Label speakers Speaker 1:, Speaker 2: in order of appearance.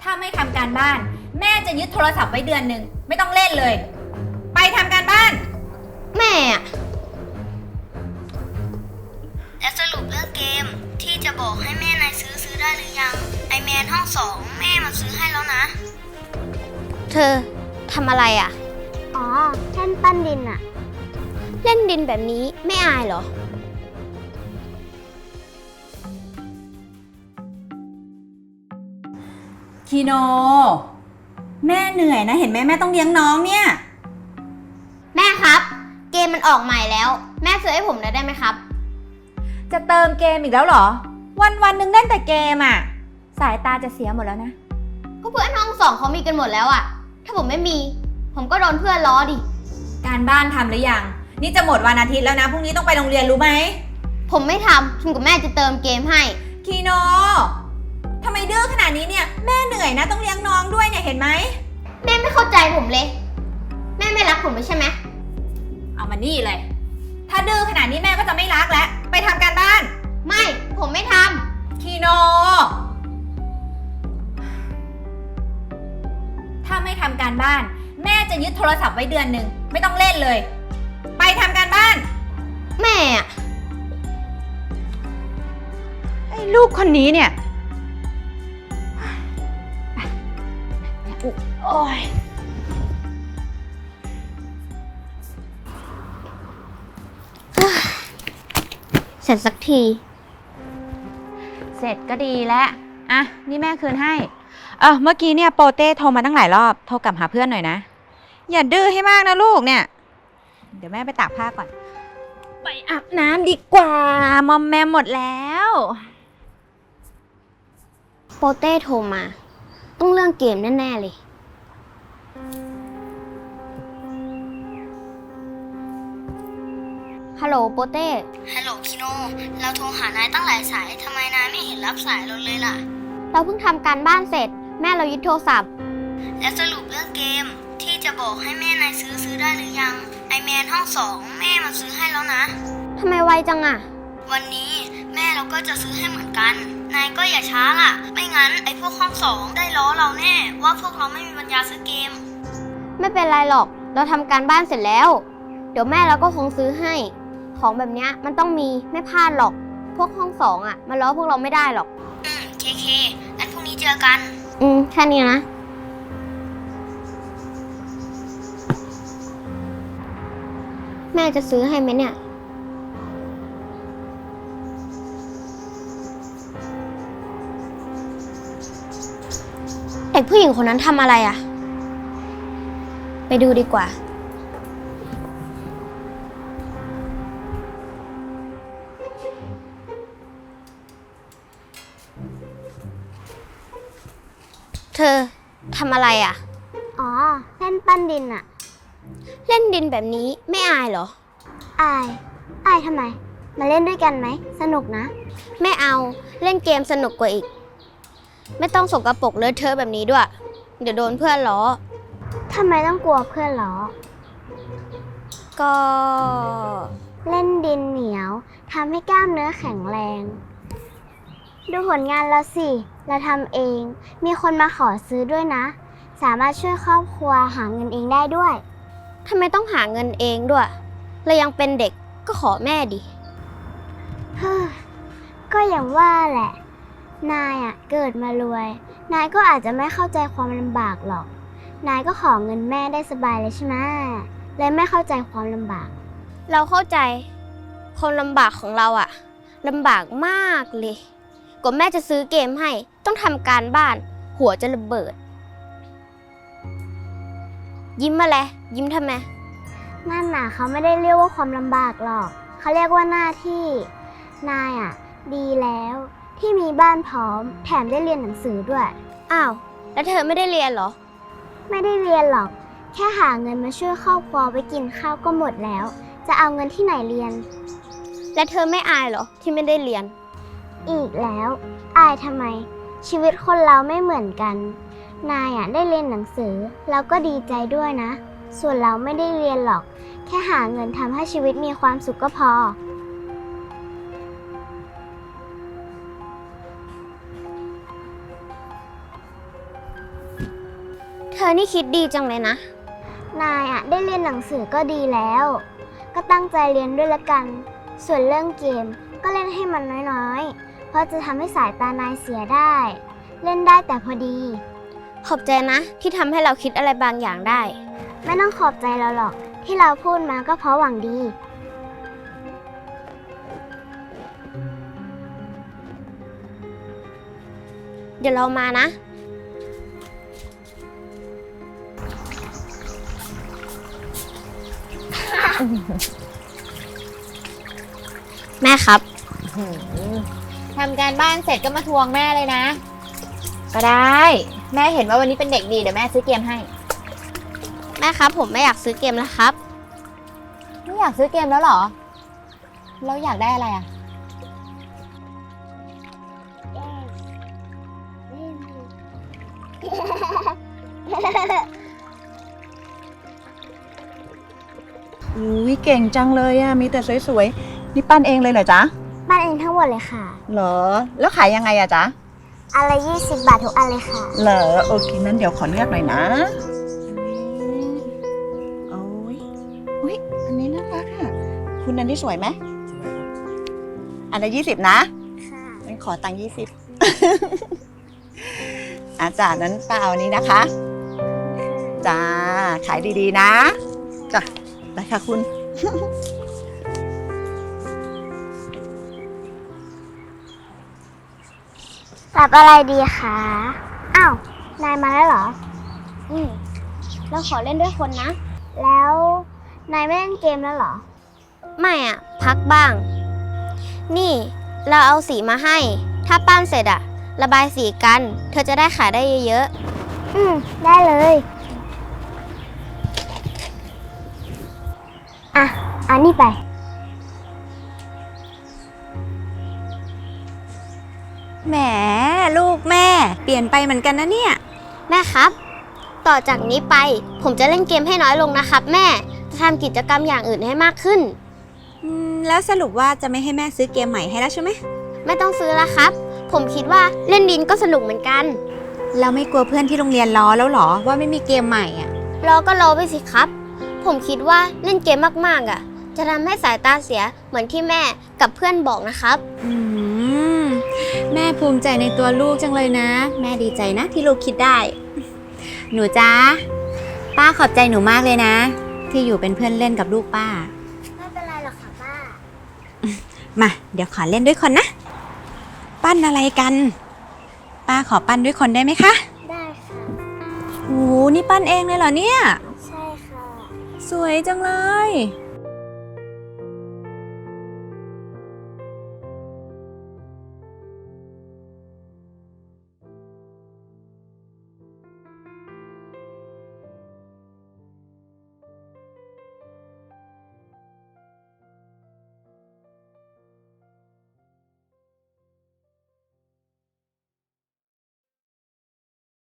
Speaker 1: ถ้าไม่ทำการบ้าน แม่จะยึดโทรศัพท์ไว้เดือนหนึ่งไม่ต้องเล่นเลย ไปทำการบ้าน
Speaker 2: แม่อะ
Speaker 3: และสรุปเรื่องเกมที่จะบอกให้แม่นายซื้อได้หรือยังไอแมนห้องสองแม่มันซื้อให้แล้วนะ
Speaker 2: เธอทำอะไรอะ
Speaker 4: อ๋อเล่นปั้นดินอะ
Speaker 2: เล่นดินแบบนี้ไม่อายเหรอ
Speaker 1: คีโน แม่เหนื่อยนะเห็นไหมแม่ต้องเลี้ยงน้องเนี่ย
Speaker 2: แม่ครับ เกมมันออกใหม่แล้ว แม่ซื้อให้ผมได้ไหมครับ
Speaker 1: จะเติมเกมอีกแล้วเหรอ วันหนึ่งเล่นแต่เกมอ่ะ สายตาจะเสียหมดแล้วนะ
Speaker 2: ก็เพื่อนห้องสองเขามีกันหมดแล้วอะถ้าผมไม่มี ผมก็โดนเพื่อนล้อดิ
Speaker 1: การบ้านทำหรือยังนี่จะหมดวันอาทิตย์แล้วนะพรุ่งนี้ต้องไปโรงเรียนรู้ไหม
Speaker 2: ผมไม่ทำคุณกับแม่จะเติมเกมให้
Speaker 1: คีโนทำไมดื้อขนาดนี้เนี่ยแม่เหนื่อยนะต้องเลี้ยงน้องด้วยเนี่ยเห็นไหม
Speaker 2: แม่ไม่เข้าใจผมเลย แม่ไม่รักผมใช่ไหม
Speaker 1: เอามานี่เลย ถ้าดื้อขนาดนี้แม่ก็จะไม่รักแล้วไปทำการบ้าน
Speaker 2: ไม่ ผมไม่ท
Speaker 1: คีโน ถ้าไม่ทำการบ้าน แม่จะยึดโทรศัพท์ไว้เดือนหนึ่งไม่ต้องเล่นเลย ไปทำการบ้าน
Speaker 2: ำแม่อะ
Speaker 1: ไอ้ลูกคนนี้เนี่ยโอ้ย
Speaker 2: เสร็จสักที
Speaker 1: เสร็จก็ดีแล้วอ่ะนี่แม่คืนให้เมื่อกี้เนี่ยโปเต้โทรมาตั้งหลายรอบโทรกลับหาเพื่อนหน่อยนะอย่าดื้อให้มากนะลูกเนี่ยเดี๋ยวแม่ไปตากผ้าก่อนไปอาบน้ำดีกว่ามอมแมมหมดแล้ว
Speaker 2: โปเต้โทรมา ต้องเรื่องเกมแน่ๆเลย ฮัลโหลโปเต้
Speaker 3: ฮัลโหลคิโนเราโทรหานายตั้งหลายสายทำไมนายไม่เห็นรับสายเราเลยล่ะ
Speaker 2: เราเพิ่งทำการบ้านเสร็จ แม่เรายึดโทรศัพท์
Speaker 3: และสรุปเรื่องเกมที่จะบอกให้แม่นายซื้อได้หรือยังไอแมนห้องสองแม่มันซื้อให้แล้วนะ
Speaker 2: ทำไมไวจังอะ
Speaker 3: วันนี้แม่เราก็จะซื้อให้เหมือนกัน นายก็อย่าช้าล่ะ ไม่งั้นไอพวกห้องสองได้ล้อเราแน่ว่าพวกเราไม่มีปัญญาซื้อเกม
Speaker 2: ไม่เป็นไรหรอก เราทำการบ้านเสร็จแล้ว เดี๋ยวแม่เราก็คงซื้อให้ ของแบบเนี้ยมันต้องมีไม่พลาดหรอก พวกห้องสองอะมาล้อพวกเราไม่ได้หรอก
Speaker 3: เคงั้นพรุ่งนี้เจอกัน
Speaker 2: แค่นี้นะ แม่จะซื้อให้ไหมเนี่ย เด็กผู้หญิงคนนั้นทำอะไรอ่ะ ไปดูดีกว่า เธอทำอะไรอ่ะ
Speaker 4: อ๋อเล่นปั้นดินอะ
Speaker 2: เล่นดินแบบนี้ไม่อายเหรอ
Speaker 4: อายทำไม มาเล่นด้วยกันไหมสนุกนะ
Speaker 2: ไม่เอาเล่นเกมสนุกกว่าอีก ไม่ต้องสกปรกเลอะเทอะแบบนี้ด้วย เดี๋ยวโดนเพื่อนล้อ
Speaker 4: ทำไมต้องกลัวเพื่อนล้อ
Speaker 2: ก็
Speaker 4: เล่นดินเหนียวทำให้กล้ามเนื้อแข็งแรง ดูผลงานเราสิ เราทำเอง มีคนมาขอซื้อด้วยนะ สามารถช่วยครอบครัวหาเงินเองได้ด้วย
Speaker 2: ทำไมต้องหาเงินเองด้วย เรายังเป็นเด็กก็ขอแม่ดิ
Speaker 4: เฮ้อก็อย่างว่าแหละ นายอะเกิดมารวย นายก็อาจจะไม่เข้าใจความลำบากหรอก นายก็ขอเงินแม่ได้สบายเลยใช่ไหมเลยไม่เข้าใจความลำบาก
Speaker 2: เราเข้าใจความลำบากของเราอะลำบากมากเลยกว่าแม่จะซื้อเกมให้ต้องทำการบ้าน หัวจะระเบิด ยิ้มมาเลยยิ้มทำไม
Speaker 4: นั่นน่ะเขาไม่ได้เรียกว่าความลำบากหรอก เขาเรียกว่าหน้าที่ นายอ่ะ ดีแล้วที่มีบ้านพร้อม แถมได้เรียนหนังสือด้วย
Speaker 2: อ้าวแล้วเธอไม่ได้เรียนเหรอ
Speaker 4: ไม่ได้เรียนหรอก แค่หาเงินมาช่วยครอบครัวไปกินข้าวก็หมดแล้ว จะเอาเงินที่ไหนเรียน
Speaker 2: และเธอไม่อายเหรอที่ไม่ได้เรียน
Speaker 4: อีกแล้ว อายทำไม ชีวิตคนเราไม่เหมือนกัน นายอ่ะได้เรียนหนังสือเราก็ดีใจด้วยนะ ส่วนเราไม่ได้เรียนหรอก แค่หาเงินทำให้ชีวิตมีความสุขก็พอ
Speaker 2: เธอนี่คิดดีจังเลยนะ
Speaker 4: นายอะได้เรียนหนังสือก็ดีแล้ว ก็ตั้งใจเรียนด้วยละกัน ส่วนเรื่องเกมก็เล่นให้มันน้อยๆ เพราะจะทำให้สายตานายเสียได้ เล่นได้แต่พอดี
Speaker 2: ขอบใจนะที่ทำให้เราคิดอะไรบางอย่างได้
Speaker 4: ไม่ต้องขอบใจเราหรอก ที่เราพูดมาก็เพราะหวังดี
Speaker 2: เดี๋ยวเรามานะ แม่ครับ
Speaker 1: ทำการบ้านเสร็จก็มาทวงแม่เลยนะ ก็ได้ แม่เห็นว่าวันนี้เป็นเด็กดีเดี๋ยวแม่ซื้อเกมให้
Speaker 2: แม่ครับ ผมไม่อยากซื้อเกมแล้วครับ
Speaker 1: ไม่อยากซื้อเกมแล้วเหรอ แล้วอยากได้อะไรอ่ะ
Speaker 5: อุ้ยเก่งจังเลยอะมีแต่สวยๆ นี่ปั้นเองเลยเหรอจ๊ะ
Speaker 4: บ้านเองทั้งหมดเลยค่ะ
Speaker 5: เหรอ แล้วขายยังไงอะจ๊ะ
Speaker 4: อันละ20 บาททุกอันเลยค่ะ
Speaker 5: เหรอ โอเคนั้นเดี๋ยวขอเลือกหน่อยนะโอ้ยอุ้ยอันนี้น่ารักอะคุณอันนี้สวยไหมอันละ20นะ
Speaker 4: ค่ะ
Speaker 5: งั้นขอตังค์20 อาจารย์นั้นป้าเอาอันนี้นะคะ จ้า ขายดีๆนะ จ้ะได้ค่ะคุณ
Speaker 4: รับอะไรดีคะ อ้าว นายมาแล้วเหรอ
Speaker 2: เราขอเล่นด้วยคนนะ
Speaker 4: แล้ว นายไม่เล่นเกมแล้วเหรอ
Speaker 2: ไม่อ่ะ พักบ้าง นี่ เราเอาสีมาให้ ถ้าปั้นเสร็จอ่ะ ระบายสีกัน เธอจะได้ขายได้เยอะ
Speaker 4: ได้เลย อ่ะ อันนี้ไป
Speaker 1: แหมลูกแม่เปลี่ยนไปเหมือนกันนะเนี่ย
Speaker 2: ๆ แม่ครับ ต่อจากนี้ไป ผมจะเล่นเกมให้น้อยลงนะครับ แม่ จะทำกิจกรรมอย่างอื่นให้มากขึ้น
Speaker 1: แล้วสรุปว่าจะไม่ให้แม่ซื้อเกมใหม่ให้แล้วใช่ไหม
Speaker 2: ไม่ต้องซื้อแล้วครับ ผมคิดว่าเล่นดินก็สนุกเหมือนกัน
Speaker 1: เราไม่กลัวเพื่อนที่โรงเรียนล้อแล้วเหรอว่าไม่มีเกมใหม่อ่ะ
Speaker 2: รอก็รอไปสิครับ ผมคิดว่าเล่นเกมมากๆอ่ะ จะทำให้สายตาเสียเหมือนที่แม่กับเพื่อนบอกนะครับ
Speaker 1: แม่ภูมิใจในตัวลูกจังเลยนะ แม่ดีใจนะที่ลูกคิดได้ หนูจ้าป้าขอบใจหนูมากเลยนะ ที่อยู่เป็นเพื่อนเล่นกับลูกป้า
Speaker 4: ไม่เป็นไรหรอกค่ะป้า
Speaker 1: มาเดี๋ยวขอเล่นด้วยคนนะ ปั้นอะไรกัน ป้าขอปั้นด้วยคนได้ไหมคะ
Speaker 4: ได้ค่ะ
Speaker 1: โอ้โหนี่ปั้นเองเลยเหรอเนี่ย
Speaker 4: ใช่ค่ะ
Speaker 1: สวยจังเลย